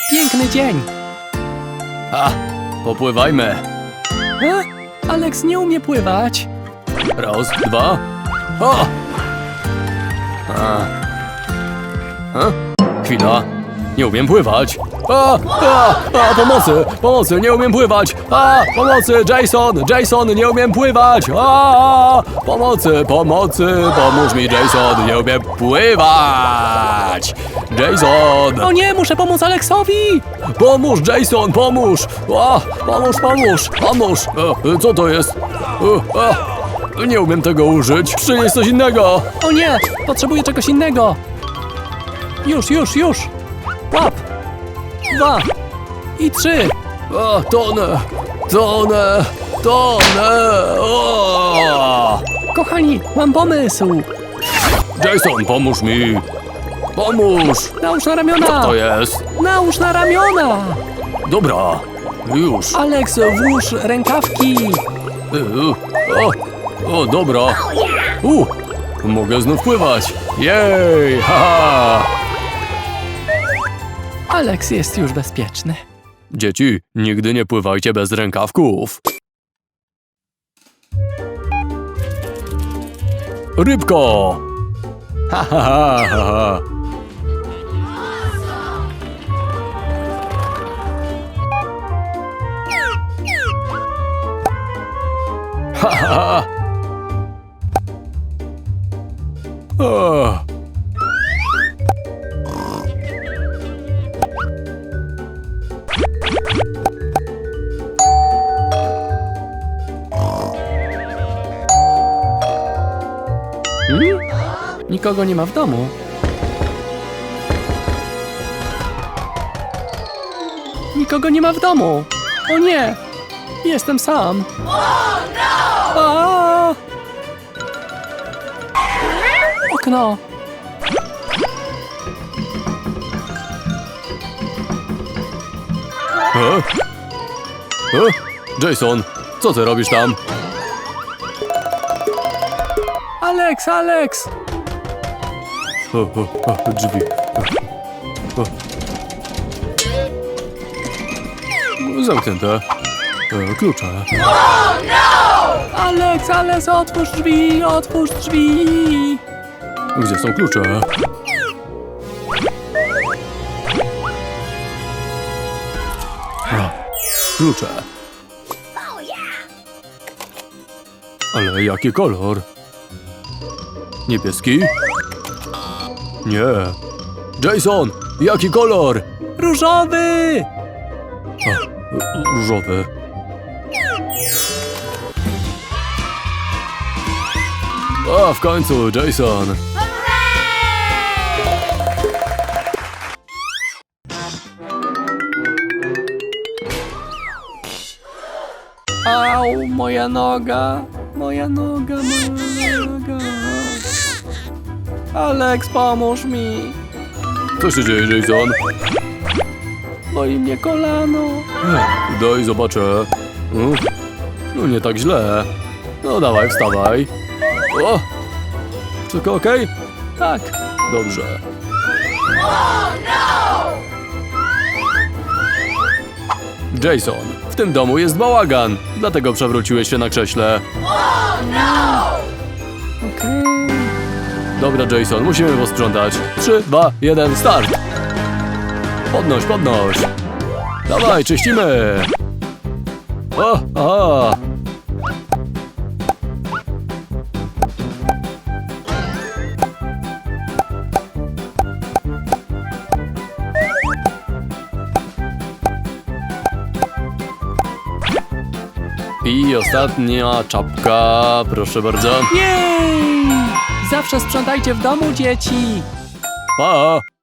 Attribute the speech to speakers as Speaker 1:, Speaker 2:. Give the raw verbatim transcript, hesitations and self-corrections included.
Speaker 1: Piękny dzień.
Speaker 2: A, popływajmy.
Speaker 1: E? Alex nie umie pływać.
Speaker 2: Raz, dwa. O! A. A? Chwila. Nie umiem pływać. A, a, a, pomocy, pomocy, nie umiem pływać. A, pomocy, Jason, Jason, nie umiem pływać. A, pomocy, pomocy, pomóż mi, Jason, nie umiem pływać. Jason,
Speaker 1: O nie, muszę pomóc Alexowi.
Speaker 2: pomóż, Jason, pomóż. A, pomóż, pomóż, pomóż. E, co to jest? E, a, nie umiem tego użyć. Przynieś coś innego.
Speaker 1: O nie, potrzebuję czegoś innego. Już, już, już. Łap. Dwa. I trzy.
Speaker 2: A, tonę, tonę, tonę. O!
Speaker 1: Kochani, mam pomysł.
Speaker 2: Jason, pomóż mi. Pomóż.
Speaker 1: Nałóż na ramiona.
Speaker 2: To jest.
Speaker 1: Nałóż na ramiona.
Speaker 2: Dobra, już.
Speaker 1: Alex, włóż rękawki.
Speaker 2: Y, O, o dobra. U, mogę znów pływać. Jej, haha.
Speaker 1: Alex jest już bezpieczny.
Speaker 2: Dzieci, nigdy nie pływajcie bez rękawków. Rybko! Ha, ha, ha, ha, ha. Ha, ha, ha. O.
Speaker 1: Hmm? Nikogo nie ma w domu. Nikogo nie ma w domu. O nie! Jestem sam. A! Okno.
Speaker 2: E? E? Jason, co ty robisz tam?
Speaker 1: Alex, Alex!
Speaker 2: O, o, o, drzwi. O. O. Zamknięte. E, klucze.
Speaker 1: Alex, Alex, otwórz drzwi, otwórz drzwi!
Speaker 2: Gdzie są klucze? A, klucze. Ale jaki kolor? Niebieski? Nie. Jason, jaki kolor?
Speaker 1: Różowy!
Speaker 2: A, różowy. A, w końcu, Jason.
Speaker 1: Au, moja noga, moja noga, moja noga. Alex, pomóż mi.
Speaker 2: Co się dzieje, Jason?
Speaker 1: Boli mnie kolano.
Speaker 2: Ech, Daj, zobaczę. Mm, No nie tak źle. No dawaj, wstawaj. O! Wszystko okej?
Speaker 1: Tak.
Speaker 2: Dobrze. Jason, w tym domu jest bałagan, dlatego przewróciłeś się na krześle.
Speaker 1: Okej.
Speaker 2: Dobra, Jason, musimy posprzątać. Trzy, dwa, jeden, start! Podnoś, podnoś! Dawaj, czyścimy! O, aha! I ostatnia czapka, proszę bardzo.
Speaker 1: Jej! Zawsze sprzątajcie w domu, dzieci.
Speaker 2: Pa!